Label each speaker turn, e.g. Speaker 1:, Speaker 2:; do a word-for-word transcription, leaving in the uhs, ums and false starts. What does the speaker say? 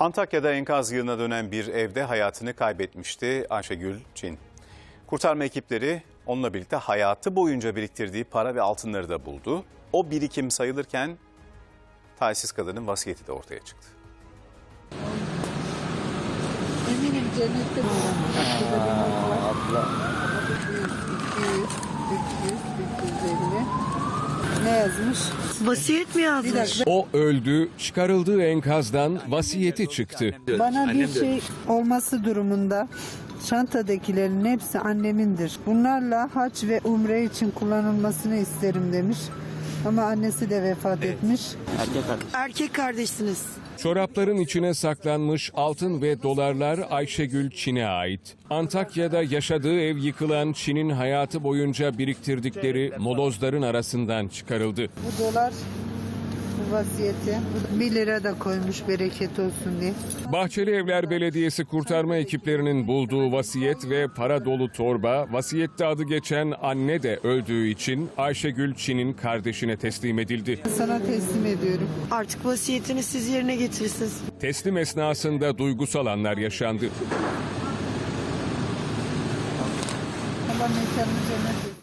Speaker 1: Antakya'da enkaz yığınına dönen bir evde hayatını kaybetmişti Ayşegül Çin. Kurtarma ekipleri onunla birlikte hayatı boyunca biriktirdiği para ve altınları da buldu. O birikim sayılırken talihsiz kadının vasiyeti de ortaya çıktı.
Speaker 2: Eminim cennette abla. iki yüz, üç yüz, üç yüz elli. Ne yazmış?
Speaker 3: Vasiyet mi yazmış?
Speaker 4: O öldü, çıkarıldığı enkazdan vasiyeti çıktı.
Speaker 2: Bana bir şey olması durumunda çantadakilerin hepsi annemindir. Bunlarla hac ve umre için kullanılmasını isterim demiş. Ama annesi de vefat etmiş.
Speaker 3: Erkek kardeşsiniz.
Speaker 4: Çorapların içine saklanmış altın ve dolarlar Ayşegül Çin'e ait. Antakya'da yaşadığı ev yıkılan Çin'in hayatı boyunca biriktirdikleri molozların arasından çıkarıldı.
Speaker 2: Bu dolar, bu vasiyeti. Bir lira da koymuş bereket olsun diye.
Speaker 4: Bahçelievler Belediyesi kurtarma ekiplerinin bulduğu vasiyet ve para dolu torba, vasiyette adı geçen anne de öldüğü için Ayşegül Çin'in kardeşine teslim edildi.
Speaker 2: Sana teslim ediyorum.
Speaker 3: Artık vasiyetini siz yerine getirirsiniz.
Speaker 4: Teslim esnasında duygusal anlar yaşandı.
Speaker 2: Allah mekanını cennet etsin.